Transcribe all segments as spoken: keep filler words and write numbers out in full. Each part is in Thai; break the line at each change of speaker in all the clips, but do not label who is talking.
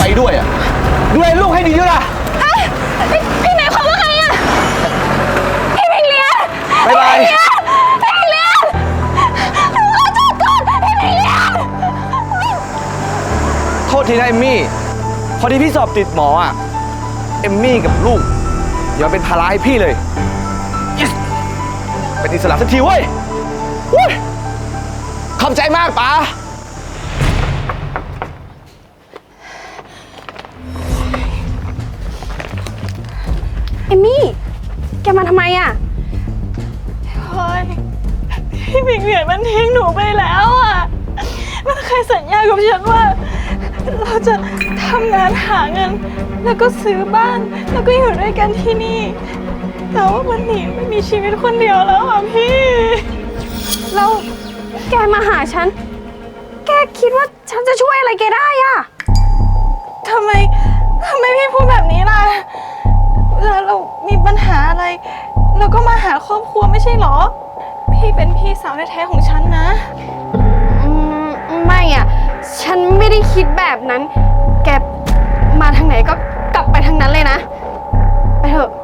ไปด้วยอ่ะดูแลลูกให้ดีด้วยล่ะ
พี่หมายความว่าไงอ่ะพี่พิงเลียน
บายบาย
พี่พิงเลียนขอโทษก่อนพี่พิงเลียน
โทษทีนะเอมมี่พอดีพี่สอบติดหมออ่ะเอมมี่กับลูกอย่าเป็นภาระให้พี่เลย yes. เป็นอิสระสักทีเว้ยขอบใจมากป๋า
เอมมี่แกมาทำไมอ่ะพลอยพี่พิงเลียนมันทิ้งหนูไปแล้วอ่ะมันเคยสัญญากับฉันว่าเราจะทำงานหาเงินแล้วก็ซื้อบ้านแล้วก็อยู่ด้วยกันที่นี่แต่ว่ามันหนีไม่มีชีวิตคนเดียวแล้วอ่ะพี่เราแกมาหาฉันแกคิดว่าฉันจะช่วยอะไรแกได้อ่ะทำไมทำไมพี่พูดแบบนี้ล่ะเวลาเรามีปัญหาอะไรเราก็มาหาครอบครัวไม่ใช่หรอพี่เป็นพี่สาวแท้ๆของฉันนะไม่อ่ะฉันไม่ได้คิดแบบนั้นแกมาทางไหนก็กลับไปทางนั้นเลยนะไปเถอะ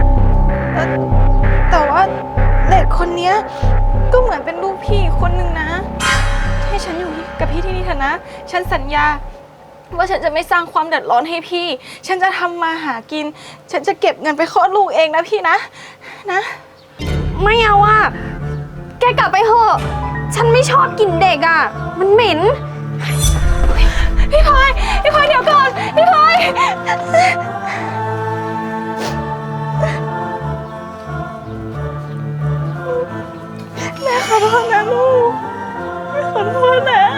แต่ว่าเด็กคนนี้ก็เหมือนเป็นลูกพี่คนหนึ่งนะให้ฉันอยู่กับพี่ที่นี่เถอะนะฉันสัญญาว่าฉันจะไม่สร้างความเดือดร้อนให้พี่ฉันจะทำมาหากินฉันจะเก็บเงินไปคลอดลูกเองนะพี่นะนะไม่เอาอ่ะแกกลับไปเถอะฉันไม่ชอบกินเด็กอ่ะมันเหม็นพี่พลอยพี่พลอยเดี๋ยวก่อนพี่พลอยแม่ขอโทษนะลูกแม่ขอโทษนะ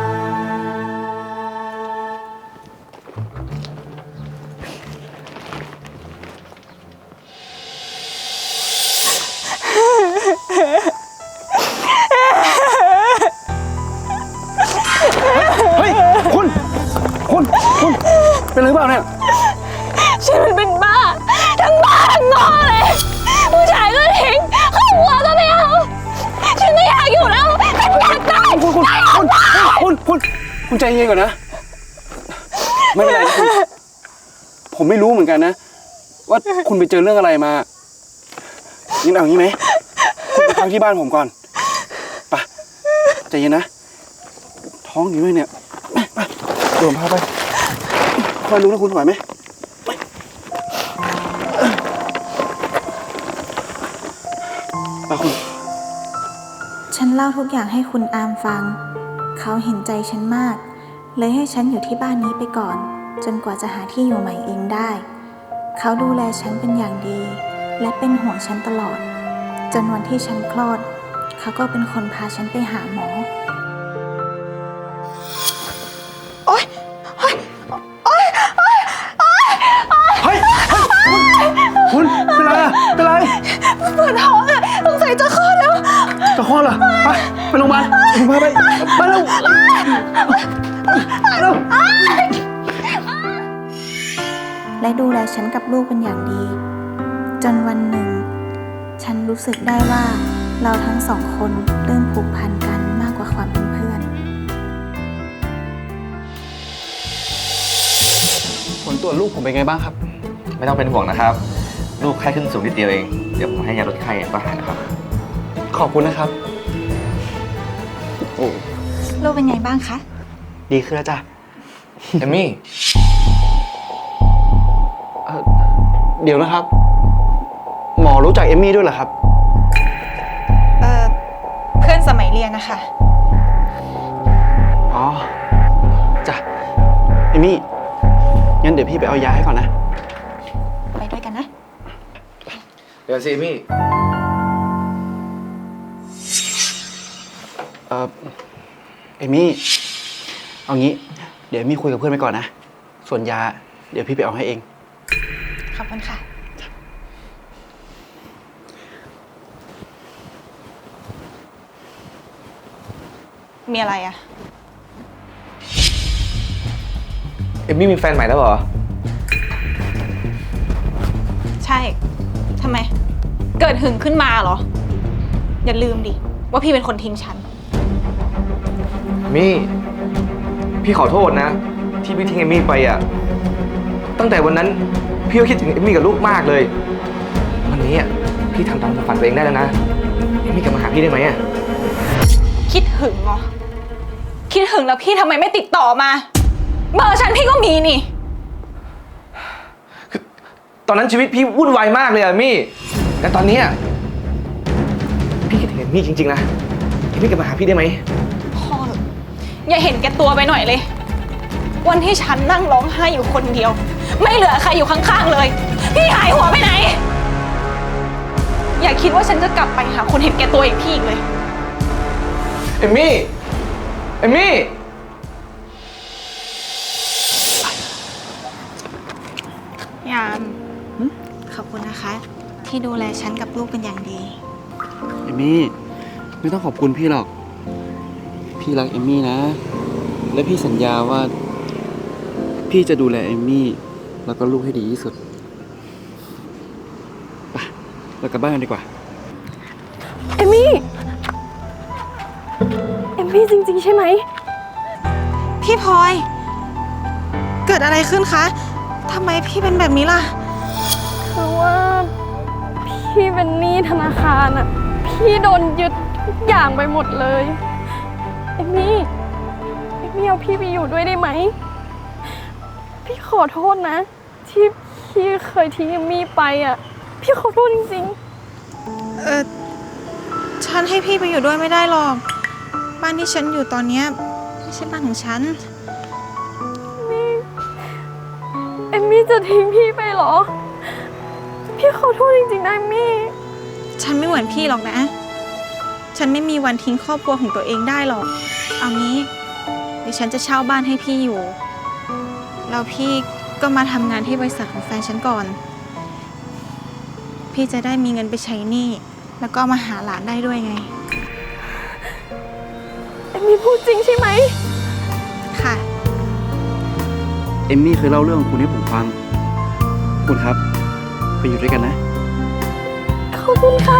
เฮ้ยคุณคุณคุณเป็นอะไรเปล่าเนี่ย
ฉันมันเป็นบ้าทั้งบ้าทั้งงอเลยผู้ชายก็ทิ้งครอบครัวก็ไม่เอาฉันไม่อยากอยู่แล้วฉันอยากตาย
คุณคุณคุณคุณคุณคุณใจเย็นก่อนนะไม่เป็นไรคุณผมไม่รู้เหมือนกันนะว่าคุณไปเจอเรื่องอะไรมางั้นเอางี้ไหมคุณไปพักที่บ้านผมก่อนไปใจเย็นนะท้องอยู่ด้วยเนี่ยไปเดี๋ยวผมพาไปคอยรู้นะคุณไหวไหมไปคุณ
ฉันเล่าทุกอย่างให้คุณอามฟังเขาเห็นใจฉันมากเลยให้ฉันอยู่ที่บ้านนี้ไปก่อนจนกว่าจะหาที่อยู่ใหม่เองได้เขาดูแลฉันเป็นอย่างดีและเป็นห่วงฉันตลอดจนวันที่ฉันคลอดเขาก็เป็นคนพาฉันไปหาหมอ
โอ๊ยโอ๊ยโอ๊ยโอ๊ยโอ๊ย
เฮ้ยคุณเป็นไรอะเป็นไร
ปวดท้องอะสงสัยจะคลอดแล้ว
จะคลอดเหรอไปไปโรงพยาบาลผมพาไปไปเร็วเร็ว
และดูแลฉันกับลูกเป็นอย่างดีจนวันหนึ่งฉันรู้สึกได้ว่าเราทั้งสองคนเริ่มผูกพันกันมากกว่าความเป็นเพื่อน
ผลตรวจลูกผมเป็นไงบ้างครับ
ไม่ต้องเป็นห่วงนะครับลูกไข้ขึ้นสูงนิดเดียวเองเดี๋ยวผมให้ยาลดไข้ก็หายนะครับ
ขอบคุณนะครับโอ้
ลูกเป็นไงบ้างคะ
ดีขึ้นแล้วจ้ะเอมมี่เดี๋ยวนะครับหมอรู้จักเอมมี่ด้วยเหรอครับ
เออเพื่อนสมัยเรียนนะคะ
อ๋อจ้ะเอมมี่งั้นเดี๋ยวพี่ไปเอายาให้ก่อนนะ
ไปด้วยกันนะ
เดี๋ยวสิเอมมี่
เออเอมมี่เอางี้เดี๋ยวเอมมี่คุยกับเพื่อนไปก่อนนะส่วนยาเดี๋ยวพี่ไปเอาให้เอง
ขอบคุณค่ะมีอะไรอะ
เอมมี่มีแฟนใหม่แล้วเหรอ
ใช่ทำไมเกิดหึงขึ้นมาเหรออย่าลืมดิว่าพี่เป็นคนทิ้งฉัน
มี่พี่ขอโทษนะที่พี่ทิ้งเอมมี่ไปอ่ะ ตั้งแต่วันนั้นพี่ก็คิดถึงเอมมี่กับลูกมากเลย วันนี้อ่ะพี่ทำตามความฝันตัวเองได้แล้วนะเอมมี่กลับมาหาพี่ได้ไหมอ่ะ
คิดหึงเหรอ คิดหึงแล้วพี่ทำไมไม่ติดต่อมา เบอร์ฉันพี่ก็มีนี่
ตอนนั้นชีวิตพี่วุ่นวายมากเลยอะมี่แต่ตอนนี้อะพี่คิดถึงเอมมี่จริงๆนะเอมมี่กลับมาหาพี่ได้ไหม
พ่อเถอะอย่าเห็นแก่ตัวไปหน่อยเลย วันที่ฉันนั่งร้องไห้อยู่คนเดียว ไม่เหลือใครอยู่ข้างๆเลย พี่หายหัวไปไหน อย่าคิดว่าฉันจะกลับไปหาคนเห็นแก่ตัวอย่างพี่อีกเลย
เอมมี่เอมมี่
ยาม
ขอบคุณนะคะ ที่ดูแลฉันกับลูกเป็นอย่างดี
เอมมี่ไม่ต้องขอบคุณพี่หรอก พี่รักเอมมี่นะ และพี่สัญญาว่า พี่จะดูแลเอมมี่แล้วก็ลูกให้ดีที่สุดไปเรากลับบ้านกันดีกว่า
เอมมี่ เอมมี่จริงๆใช่ไหม
พี่พลอย เกิดอะไรขึ้นคะทำไมพี่เป็นแบบนี้ล่ะ
คือว่าพี่เป็นหนี้ธนาคารอ่ะ พี่โดนยึดทุกอย่างไปหมดเลย เอมมี่ เอมมี่เอาพี่ไปอยู่ด้วยได้ไหม พี่ขอโทษนะ ที่พี่เคยทิ้งเอมมี่ไปอ่ะ พี่ขอโทษจริง
เออฉันให้พี่ไปอยู่ด้วยไม่ได้หรอก บ้านที่ฉันอยู่ตอนเนี้ยไม่ใช่บ้านของฉัน
ๆนี่เอมมี่จะทิ้งพี่ไปเหรอ พี่ขอโทษจริงๆนะเอมมี่
ฉันไม่เหมือนพี่หรอกนะ ฉันไม่มีวันทิ้งครอบครัวของตัวเองได้หรอก เอางี้ เดี๋ยวฉันจะเช่าบ้านให้พี่อยู่ แล้วพี่ก็มาทำงานที่บริษัทของแฟนฉันก่อน พี่จะได้มีเงินไปใช้หนี้ แล้วก็มาหาหลานได้ด้วยไง
เอมมี่พูดจริงใช่ไหม
ค่ะ
เอมมี่เคยเล่าเรื่องของคุณให้ผมฟัง คุณครับ ไปอยู่ด้วยกันนะ
ขอบคุณค่ะ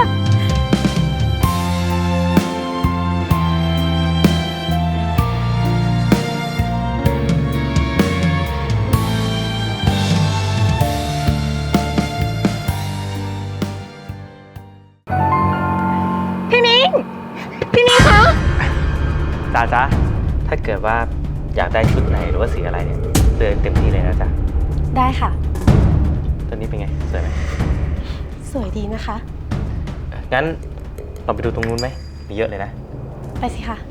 พี่มิ้ง พี่มิ้งคะ
จ้าจ้าถ้าเกิดว่าอยากได้ชุดไหนหรือว่าสีอะไรเนี่ยเดินเต็มที่เลยนะจ๊ะ
ได้ค่ะ
ตัวนี้เป็นไงสวยไหม
สวยดีนะคะ
งั้นเราไปดูตรงนู้นไหมมีเยอะเลยนะ
ไปสิค่ะ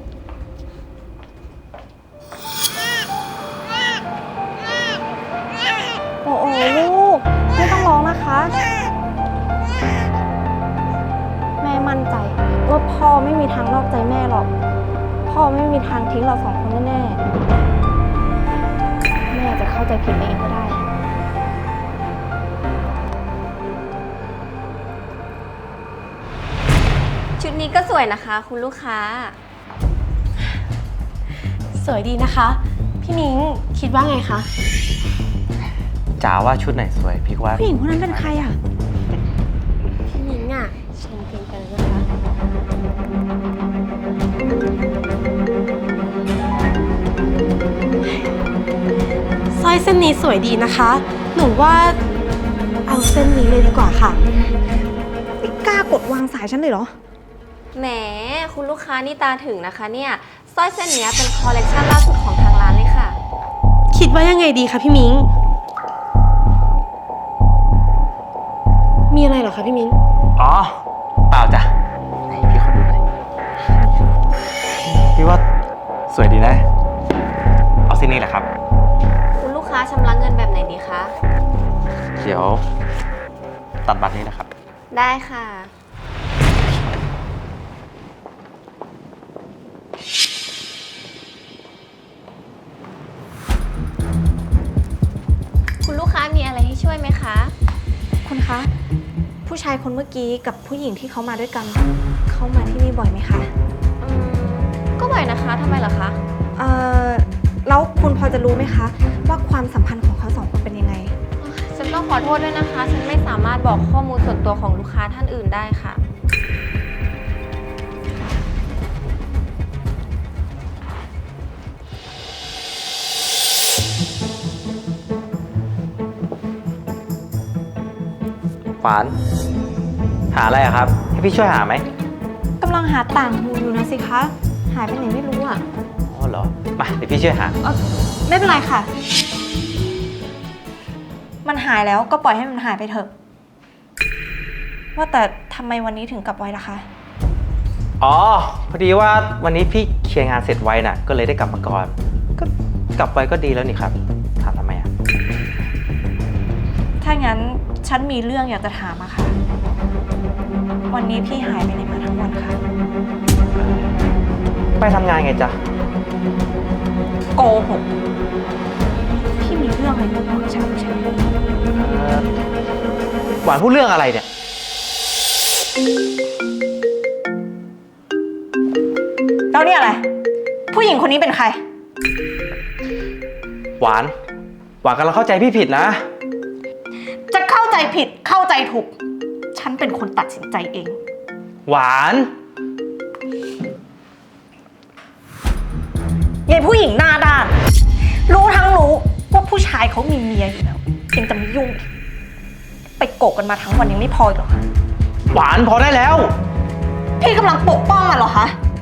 โอ้โอ้ลูก ไม่ต้องร้องนะคะ แม่มั่นใจว่าพ่อไม่มีทางนอกใจแม่หรอก พ่อไม่มีทางทิ้งเราสองคนแน่ๆ แม่จะเข้าใจผิดไปเองก็ได้
ชุดนี้ก็สวยนะคะคุณลูกค้า
สวยดีนะคะ พี่นิ้งคิดว่าไงคะ
จ๋าว่าชุดไหนสวยพี่ว่า
ผู้หญิงคนนั้นเป็นใครอ่ะ
พี่นิ้งอ่ะชมเพลงกันเลยนะคะ สร้อยเส้นนี้สวยดีนะคะ หนูว่าเอาเส้นนี้เลยดีกว่าค่ะ
ไม่กล้ากดวางสายฉันเลยเหรอ
แหมคุณลูกค้านี่ตาถึงนะคะเนี่ยสร้อยเส้นเนี้ยเป็นคอลเลกชันล่าสุดของทางร้านเลยค่ะ
คิดว่ายังไงดีคะพี่มิ้ง มีอะไรเหรอคะพี่มิ้ง
อ๋อเปล่าจ้ะให้พี่ขอดูหน่อยพี่ว่าสวยดีนะ เอาเส้นนี้แหละครับ
คุณลูกค้าชำระเงินแบบไหนดีคะ
เดี๋ยวตัดบัตรนี้นะครับ
ได้ค่ะ คุณลูกค้ามีอะไรให้ช่วยไหมคะ
คุณคะ ผู้ชายคนเมื่อกี้กับผู้หญิงที่เขามาด้วยกัน เขามาที่นี่บ่อยไหมคะ
อืม ก็บ่อยนะคะทำไมเหรอคะ
เอ่อ แล้วคุณพอจะรู้ไหมคะ ว่าความสัมพันธ์ของเขาสองคนเป็นยังไง
ฉันต้องขอโทษด้วยนะคะ ฉันไม่สามารถบอกข้อมูลส่วนตัวของลูกค้าท่านอื่นได้ค่ะ
ค
หวาน หาอะไรอะครับ ให้พี่ช่วยหาไหม
กำลังหาต่างหูอยู่นะสิคะ หายไปไหนไม่รู้อ่ะ
อ๋อเหรอ มาเดี๋ยวพี่ช่วยหา
เออไม่เป็นไรค่ะ มันหายแล้วก็ปล่อยให้มันหายไปเถอะ ว่าแต่ทำไมวันนี้ถึงกลับไวล่ะคะ
อ๋อ พอดีว่าวันนี้พี่เคลียร์งานเสร็จไวน่ะ ก็เลยได้กลับมาก่อน ก็กลับไวก็ดีแล้วนี่ครับ ถามทำไมอะ
ถ้างั้นฉันมีเรื่องอยากจะถามอะค่ะ วันนี้พี่หายไปไหนมาทั้งวันคะ
ไปทำงานไงจ๊ะ
โกหก พี่มีเรื่องอะไรมาบอกฉันใช่ไหม
เอ่อหวานพูดเรื่องอะไรเนี่ย
แล้วเนี่ยอะไร ผู้หญิงคนนี้เป็นใคร
หวาน หวานกำลังเข้าใจพี่ผิดนะ
จะเข้าใจผิดเข้าใจถูก ฉันเป็นคนตัดสินใจเอง
หวาน
ยายผู้หญิงหน้าด้าน รู้ทั้งรู้ว่าผู้ชายเขามีเมียอยู่แล้วยังจะมายุ่งอีกไปโกกกันมาทั้งวันยังไม่พออีกเหรอคะ
หวานพอได้แล้ว
พี่กำลังปกป้องมันเหรอคะ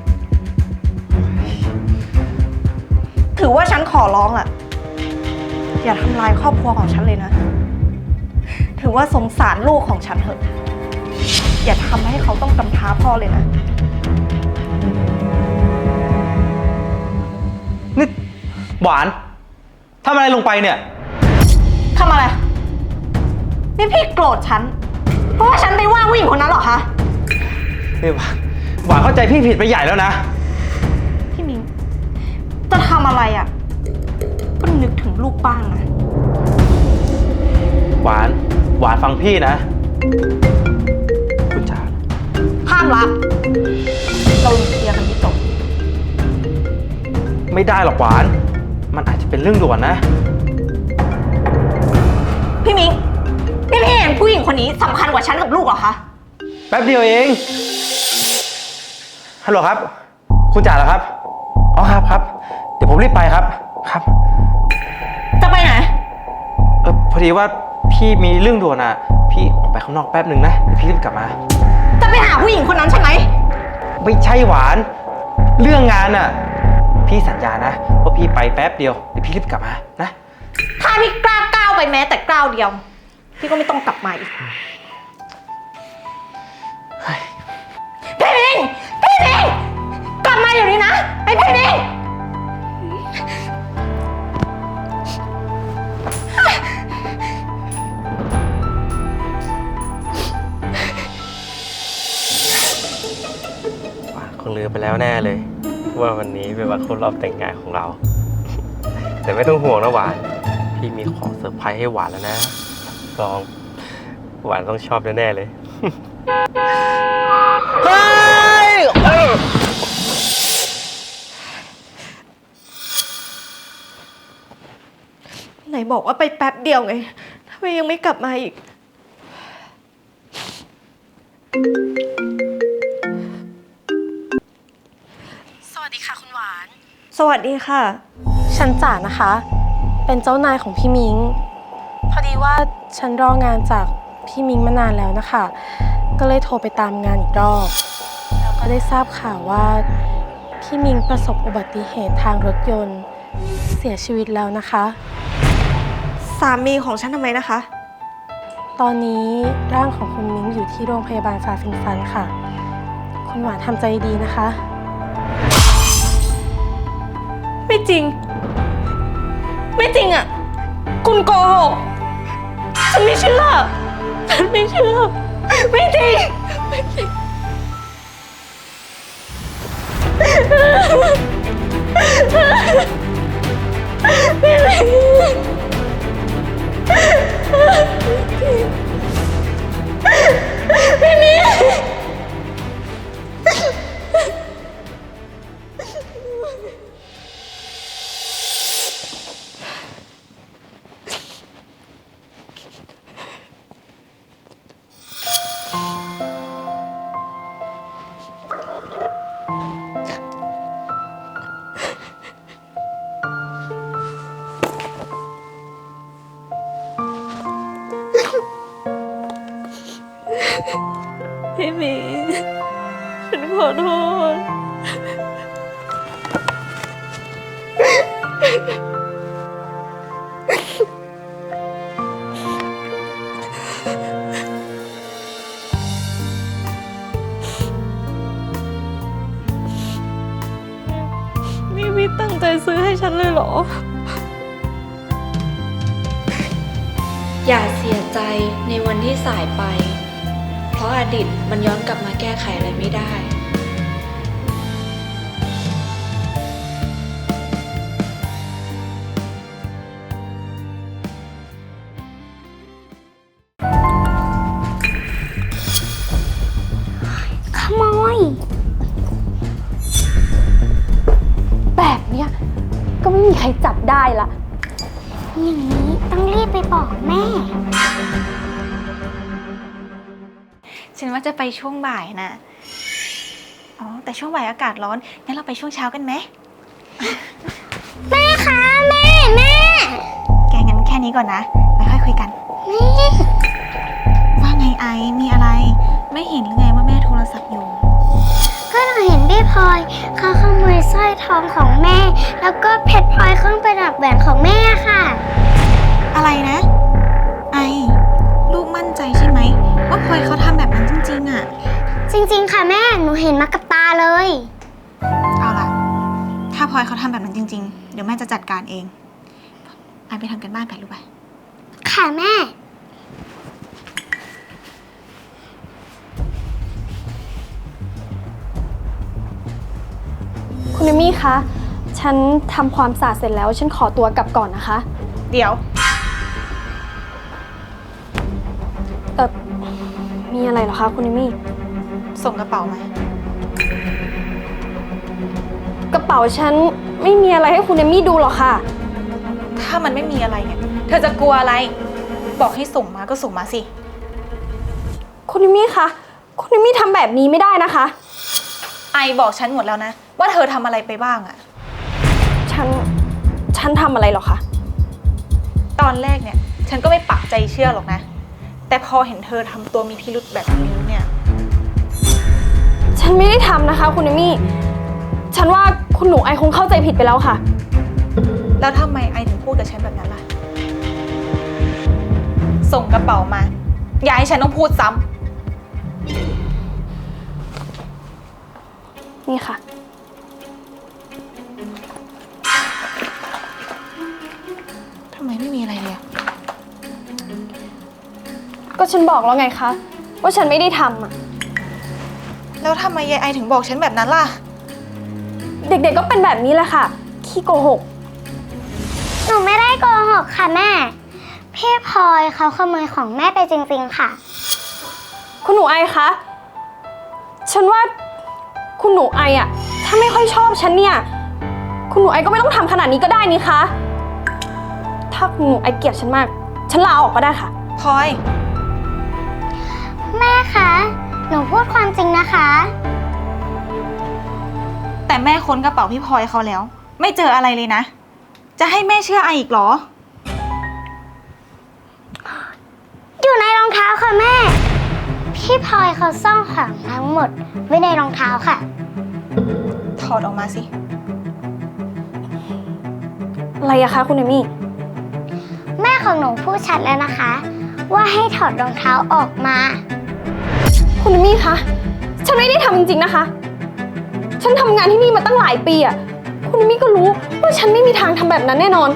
ถือว่าฉันขอร้องล่ะ อย่าทำลายครอบครัวของฉันเลยนะ ถือว่าสงสารลูกของฉันเถอะ อย่าทำให้เขาต้องกำพร้าพ่อเลยนะ
นี่หวานทำอะไรลงไปเนี่ย
ทำอะไร นี่พี่โกรธฉัน เพราะว่าฉันไปว่าผู้หญิงคนนั้นเหรอคะ
นี่หวานหวานเข้าใจพี่ผิดไปใหญ่แล้วนะ
พี่มิ้งจะทำอะไรอ่ะ ก็นึกถึงลูกบ้างนะ
หวาน หวานฟังพี่นะ คุณจ๋า
ห้ามรัก เราเคลียร์กันให้จบ
ไม่ได้หรอกหวาน มันอาจจะเป็นเรื่องด่วนนะ
พี่มิ้งพี่พี่เห็นผู้หญิงคนนี้สำคัญกว่าฉันกับลูกเหรอคะ
แป๊บเดียวเอง ฮัลโหลครับ คุณจ๋าเหรอครับ อ๋อครับครับ เดี๋ยวผมรีบไปครับ ครับ
จะไปไหน
เออพอดีว่าพี่มีเรื่องด่วนอ่ะ พี่ออกไปข้างนอกแป๊บหนึ่งนะ เดี๋ยวพี่รีบกลับมา
จะไปหาผู้หญิงคนนั้นใช่ไหม
ไม่ใช่หวาน เรื่องงานอ่ะ พี่สัญญานะว่าพี่ไปแป๊บเดียว เดี๋ยวพี่รีบกลับมา นะ
ถ้าพี่กล้าก้าวไปแม้แต่ก้าวเดียว พี่ก็ไม่ต้องกลับมาอีก พี่มิงพี่มิงกลับมาเดี๋ยวนี้นะไอ้พี่มิง
หวานคงลืมไปแล้วแน่เลย ว่าวันนี้เป็นวันครบรอบแต่งงานของเรา แต่ไม่ต้องห่วงนะหวาน พี่มีของเซอร์ไพรส์ให้หวานแล้วนะลองหวานต้องชอบแน่ๆเลย เฮ้ยเออ
ไหนบอกว่าไปแป๊บเดียวไงทำไมยังไม่กลับมาอีก
สวัสดีค่ะคุณหวาน
สวัสดีค่ะ
ฉันจ๋านะคะ เป็นเจ้านายของพี่มิง พอดีว่าฉันรองานจากพี่มิงมานานแล้วนะคะ ก็เลยโทรไปตามงานอีกรอบ แล้วก็ได้ทราบข่าวว่าพี่มิงประสบอุบัติเหตุทางรถยนต์เสียชีวิตแล้วนะคะ
สามีของฉันทำไมนะคะ
ตอนนี้ร่างของคุณมิงอยู่ที่โรงพยาบาลฟาฟินฟันค่ะ คุณหวานทำใจดีนะคะ
ไม่จริง ไม่จริงอ่ะ คุณโกหก ฉันไม่เชื่อ ฉันไม่เชื่อ ไม่จริง ไม่จริง ไม่จริง ไม่มี
พี่หมิง ฉันขอโทษ นี่พี่ตั้งใจซื้อให้ฉันเลยเหรอ
อย่าเสียใจในวันที่สายไป เพราะอดีตมันย้อนกลับมาแก้ไขอะไรไม่ได้
ขโมย
แบบเนี้ยก็ไม่มีใครจับได้ละ
อย่างนี้ต้องรีบไปบอกแม่
ฉันว่าจะไปช่วงบ่ายนะ อ๋อ แต่ช่วงบ่ายอากาศร้อน งั้นเราไปช่วงเช้ากันไหม
แม่คะแม่แม่
แกงั้นแค่นี้ก่อนนะไปค่อยคุยกัน
แม่
ว่าไงไอซ์มีอะไร ไม่เห็นหรือไงว่าแม่โทรศัพท์อยู่
ก็หนูเห็นพี่พลอยเขาขโมยสร้อยทองของแม่ แล้วก็เพชรพลอยเครื่องประดับแหวนของแม่ค่ะ
อะไรนะ ไอลูกมั่นใจใช่ไหมว่าพลอยเขาทำแบบนั้นจริงๆอะ
จริงๆค่ะแม่หนูเห็นมากับตาเลย
เอาล่ะ ถ้าพลอยเขาทำแบบนั้นจริงๆ เดี๋ยวแม่จะจัดการเอง ไอไปทำกันบ้านไปลูกไป
ค่ะแม่
คุณเอมี่คะ ฉันทำความสะอาดเสร็จแล้ว ฉันขอตัวกลับก่อนนะคะ
เดี๋ยว
เออมีอะไรเหรอคะคุณเอมี่
ส่งกระเป๋ามา
กระเป๋าฉันไม่มีอะไรให้คุณเอมี่ดูหรอกค่ะ
ถ้ามันไม่มีอะไรเนี่ย เธอจะกลัวอะไร บอกให้ส่งมาก็ส่งมาสิ
คุณเอมี่คะ คุณเอมี่ทำแบบนี้ไม่ได้นะคะ
ไอบอกฉันหมดแล้วนะ ว่าเธอทำอะไรไปบ้างอะ
ฉัน ฉันทำอะไรหรอคะ
ตอนแรกเนี่ย ฉันก็ไม่ปักใจเชื่อหรอกนะ แต่พอเห็นเธอทำตัวมีพิรุธแบบนี้เนี่ย
ฉันไม่ได้ทำนะคะ คุณเอมี่ ฉันว่าคุณหนูไอคงเข้าใจผิดไปแล้วค่ะ
แล้วทำไมไอถึงพูดกับฉันแบบนั้นล่ะ ส่งกระเป๋ามา อย่าให้ฉันต้องพูดซ้ำ
นี่ค่ะ
ทำไมไม่มีอะไรเลยอะ
ก็ฉันบอกแล้วไงคะ ว่าฉันไม่ได้ทำอ่ะ
แล้วทำไมยายไอถึงบอกฉันแบบนั้นล่ะ
เด็กๆก็เป็นแบบนี้แหละค่ะ ขี้โกหก
หนูไม่ได้โกหกค่ะแม่ พี่พลอยเขาขโมยของแม่ไปจริงๆค่ะ
คุณหนูไอคะ ฉันว่าคุณหนูไออะถ้าไม่ค่อยชอบฉันเนี่ย คุณหนูไอก็ไม่ต้องทำขนาดนี้ก็ได้นี่คะ ถ้าคุณหนูไอเกลียดฉันมาก ฉันลาออกก็ได้ค่ะ
พลอย
แม่คะ หนูพูดความจริงนะคะ
แต่แม่ค้นกระเป๋าพี่พลอยเขาแล้ว ไม่เจออะไรเลยนะ จะให้แม่เชื่อไออีกเหรอ
อยู่ในรองเท้าค่ะแม่ พี่พลอยเขาซ่อนของทั้งหมดไว้ในรองเท้าค่ะ
ถอดออกมาสิ
อะไรอะคะคุณเอมี่
แม่ของหนูพูดชัดแล้วนะคะ ว่าให้ถอดรองเท้าออกมา
คุณเอมี่คะ ฉันไม่ได้ทำจริงๆนะคะ ฉันทำงานที่นี่มาตั้งหลายปีอะคุณเอมี่ก็รู้ว่าฉันไม่มีทางทำแบบนั้นแน่นอน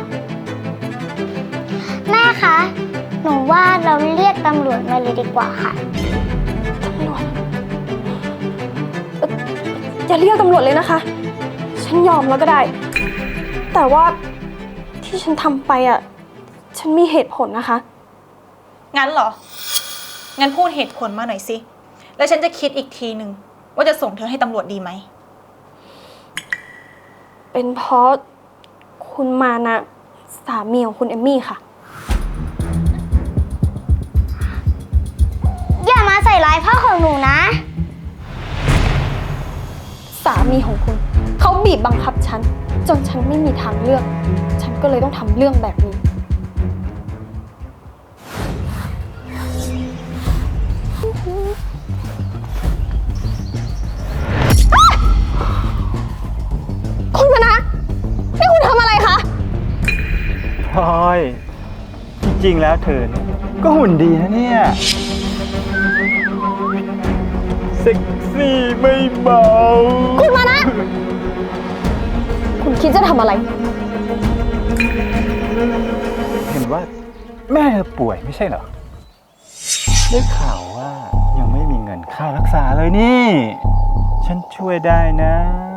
แม่คะ หนูว่าเราเรียกตำรวจมาเลยดีกว่าค่ะ
ตำรวจเอ่ออย่าเรียกตำรวจเลยนะคะ ฉันยอมแล้วก็ได้ แต่ว่าที่ฉันทำไปอ่ะ ฉันมีเหตุผลนะคะ
งั้นเหรอ งั้นพูดเหตุผลมาหน่อยสิ แล้วฉันจะคิดอีกทีหนึ่งว่าจะส่งเธอให้ตำรวจดีไหม
เป็นเพราะคุณมานะสามีของคุณเอมมี่ค่ะ
อย่ามาใส่ร้ายพ่อของหนูนะ
สามีของคุณเขาบีบบังคับฉัน จนฉันไม่มีทางเลือก ฉันก็เลยต้องทำเรื่องแบบนี้
พ
ลอย จริงๆแล้วเธอเนี่ยก็หุ่นดีนะเนี่ย เซ็กซี่ไม่เบา
คุณมานะ คุณคิดจะทำอะไร
เห็นว่าแม่เธอป่วยไม่ใช่เหรอ ได้ข่าวว่ายังไม่มีเงินค่ารักษาเลยนี่ ฉันช่วยได้นะ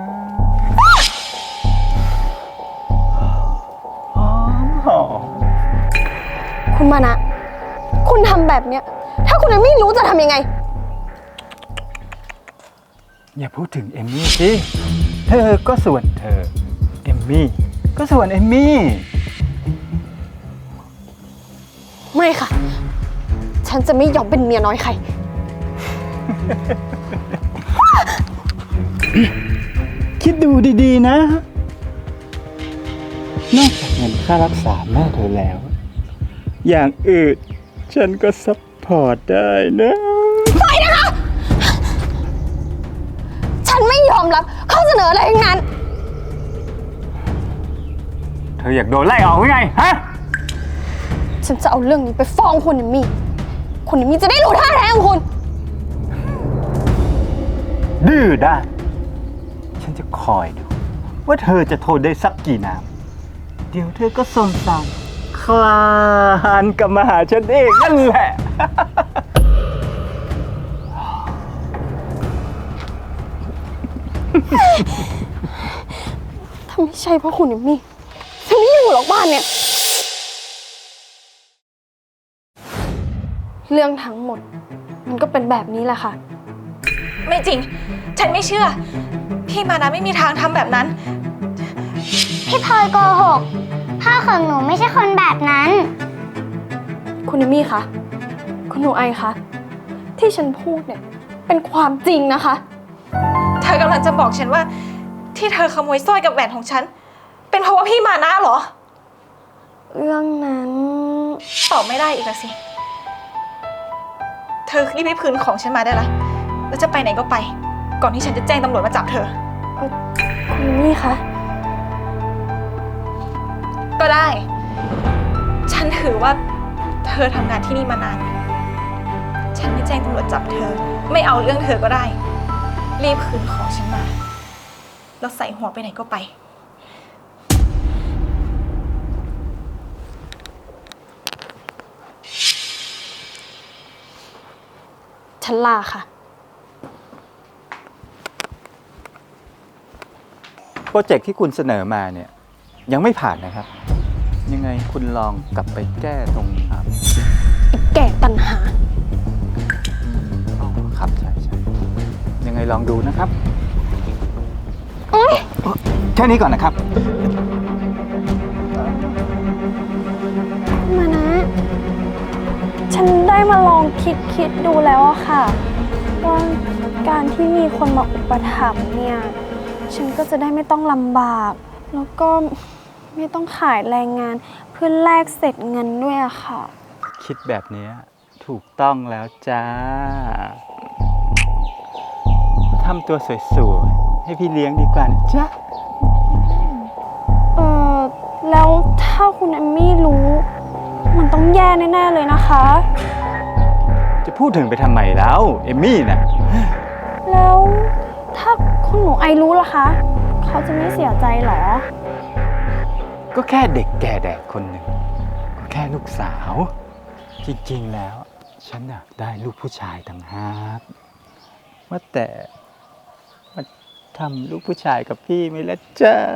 หอมหอม
คุณมานะ คุณทำแบบเนี้ย ถ้าคุณยังไม่รู้จะทำยังไง
อย่าพูดถึงเอมมี่สิ เธอก็ส่วนเธอ เอมมี่ก็ส่วนเอมมี่
ไม่ค่ะ ฉันจะไม่ยอมเป็นเมียน้อยใคร
คิดดูดีๆนะ นอกจากเงินค่ารักษาแม่เธอแล้ว อย่างอื่นฉันก็ซัพพอร์ตได้นะ
ฉันไม่ยอมรับข้อเสนออะไรทั้งนั้น
เธออยากโดนไล่ออกหรือไง ฮะ
ฉันจะเอาเรื่องนี้ไปฟ้องคุณเอมมี่ คุณเอมมี่จะได้รู้ท่าแท้ของคุณ
ดื้อด้านฉันจะคอยดู ว่าเธอจะทนได้สักกี่น้ำ เดี๋ยวเธอก็สมสารคลานกลับมาหาฉันเองนั่นแหละ
ถ้าไม่ใช่เพราะคุณเอมมี่ฉันไม่อยู่หรอกบ้านเนี่ย เรื่องทั้งหมด มันก็เป็นแบบนี้แหละค่ะ
ไม่จริง ฉันไม่เชื่อ พี่มานะไม่มีทางทำแบบนั้น
พี่พลอยโกหก พ่อของหนูไม่ใช่คนแบบนั้น
คุณเอมมี่คะ คุณหนูไอคะ ที่ฉันพูดเนี่ย เป็นความจริงนะคะ
เธอกำลังจะบอกฉันว่า ที่เธอขโมยสร้อยกับแหวนของฉัน เป็นเพราะว่าพี่มานะเหรอ
เรื่องนั้น
ตอบไม่ได้อีกแล้วสิ เธอรีบไปคืนของฉันมาได้ละแล้วจะไปไหนก็ไป ก่อนที่ฉันจะแจ้งตำรวจมาจับเธอ
คุณเอมมี่คะ
ก็ได้ ฉันถือว่าเธอทำงานที่นี่มานาน ฉันไม่แจ้งตำรวจจับเธอ ไม่เอาเรื่องเธอก็ได้ รีบคืนของฉันมา แล้วใส่หัวไปไหนก็ไป
ฉันลาค่ะ
โปรเจกต์ที่คุณเสนอมาเนี่ย ยังไม่ผ่านนะครับ ยังไงคุณลองกลับไปแก้ตรงอ่า
แก่ตันหา
อ๋อครับใช่ใช่ยังไงลองดูนะครับแค่นี้ก่อนนะครับ
มานะ ฉันได้มาลองคิดคิดดูแล้วอะค่ะ ว่าการที่มีคนมาอุปถัมภ์เนี่ย ฉันก็จะได้ไม่ต้องลำบาก แล้วก็ไม่ต้องขายแรงงานเพื่อแลกเสร็จเงินด้วยอะค่ะ
คิดแบบนี้ถูกต้องแล้วจ้าทำตัวสวยๆ ให้พี่เลี้ยงดีกว่านะจ๊ะ
เออแล้วถ้าคุณเอมมี่รู้ มันต้องแย่แน่ๆเลยนะคะ
จะพูดถึงไปทำไมแล้ว เอมมี่น่ะ
แล้วถ้าคุณหนูไอรู้ล่ะคะ เขาจะไม่เสียใจเหรอ
ก็แค่เด็กแก่แดดคนหนึ่ง ก็แค่ลูกสาว จริงๆแล้ว ฉันอยากได้ลูกผู้ชายต่างหากว่าแต่มาทำลูกผู้ชายกับพี่ไหมล่ะจ๊ะ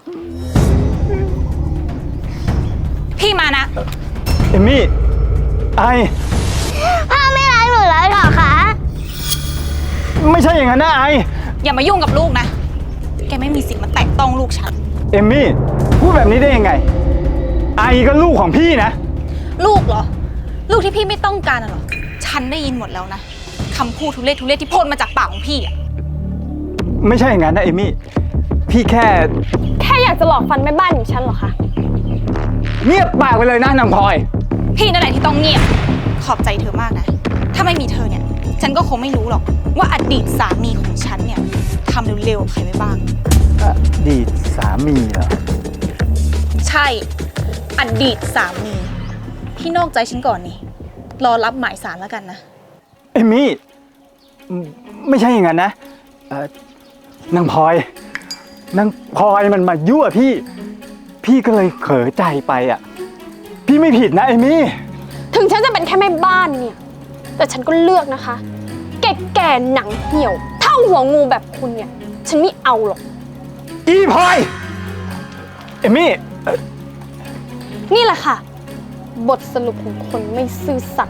พี่มานะ
เอมมี่ ไอ
พ่อไม่รักหนูแล้วเหรอคะ
ไม่ใช่อย่างนั้นนะไอ
อย่ามายุ่งกับลูกนะ แกไม่มีสิทธิ์มาแตะต้องลูกฉัน
เอมมี่ พูดแบบนี้ได้ยังไง ไอก็ลูกของพี่นะ
ลูกเหรอ ลูกที่พี่ไม่ต้องการน่ะเหรอ ฉันได้ยินหมดแล้วนะคำพูดทุเรศทุเรศที่พ่นมาจากปากของพี่อะ
ไม่ใช่อย่างนั้นนะเอมมี่ พี่แค่
แค่อยากจะหลอกฟันแม่บ้านอย่างฉันเหรอคะ
เงียบปากไปเลยนะนางพลอย
พี่นั่นแหละที่ต้องเงียบ ขอบใจเธอมากนะ ถ้าไม่มีเธอเนี่ย ฉันก็คงไม่รู้หรอกว่าอดีตสามีของฉันเนี่ยทำเร็วๆกับใครไว้บ้าง
อดีตสามีเหรอ
ใช่ พอดีตสามีที่นอกใจฉันก่อนนี่ รอรับหมายสารแล้วกันนะ
เอมี่อืมไม่ใช่อย่างนั้นนะเอ่อนางพลอยนางพลอยมันมายั่วพี่ พี่ก็เลยเผลอใจไปอ่ะ พี่ไม่ผิดนะเอมี่
ถึงฉันจะเป็นแค่แม่บ้านเนี่ย แต่ฉันก็เลือกนะคะ แก่ๆหนังเหี่ยว เท่าหัวงูแบบคุณเนี่ย ฉันไม่เอาหรอก
อีพลอย เอมี่เอ่อ
นี่แหละค่ะ บทสรุปของคนไม่ซื่อสัตย์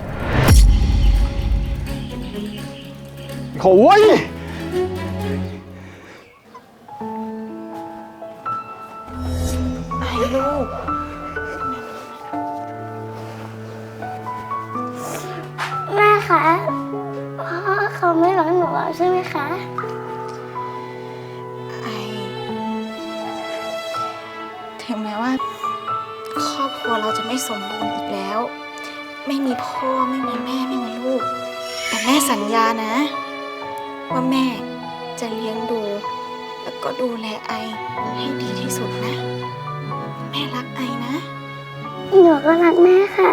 โอ้ย
ไอ้ลูก
แม่คะพ่อเขาไม่รักหนูแล้วใช่ไหมคะ
ไอถึงแม้ว่า ครอบครัวเราจะไม่สมบูรณ์อีกแล้ว ไม่มีพ่อไม่มีแม่ไม่มีลูก แต่แม่สัญญานะ ว่าแม่จะเลี้ยงดู แล้วก็ดูแลไอให้ดีที่สุดนะ แม่รักไอนะ
หนูก็รักแม่ค่ะ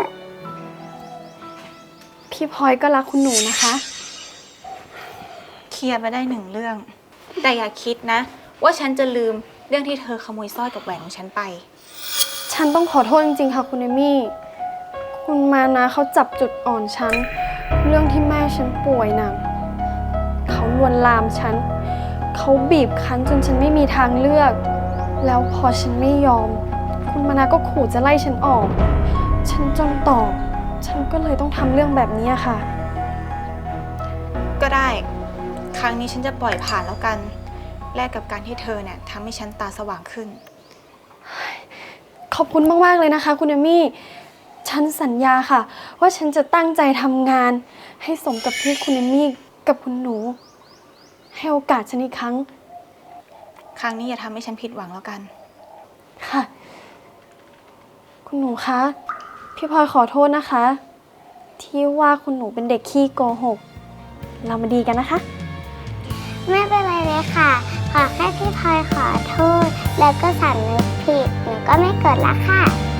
พี่พลอยก็รักคุณหนูนะคะ
เคลียร์ไปได้หนึ่งเรื่อง แต่อย่าคิดนะ ว่าฉันจะลืมเรื่องที่เธอขโมยสร้อยกับแหวนของฉันไป
ฉันต้องขอโทษจริงๆ ค่ะคุณเอมี่ คุณมานะเขาจับจุดอ่อนฉัน เรื่องที่แม่ฉันป่วยหนัก เขาลวนลามฉัน เขาบีบคั้นจนฉันไม่มีทางเลือก แล้วพอฉันไม่ยอม คุณมานะก็ขู่จะไล่ฉันออก ฉันจนตอบ ฉันก็เลยต้องทำเรื่องแบบนี้ค่ะ
ก็ได้ ครั้งนี้ฉันจะปล่อยผ่านแล้วกัน แลกกับการที่เธอเนี่ยทำให้ฉันตาสว่างขึ้น
ขอบคุณมากๆเลยนะคะ คุณเอมี่ ฉันสัญญาค่ะ ว่าฉันจะตั้งใจทำงาน ให้สมกับที่คุณเอมี่กับคุณหนู ให้โอกาสฉันอีกครั้ง
ครั้งนี้อย่าทำให้ฉันผิดหวังแล้วกัน
ค่ะ คุณหนูคะ พี่พลอยขอโทษนะคะ ที่ว่าคุณหนูเป็นเด็กขี้โกหก เรามาดีกันนะคะ
ไม่เป็นไรเลยค่ะ ขอแค่พี่พลอยขอโทษ แล้วก็สำนึกผิด หนูก็ไม่โกรธละค่ะ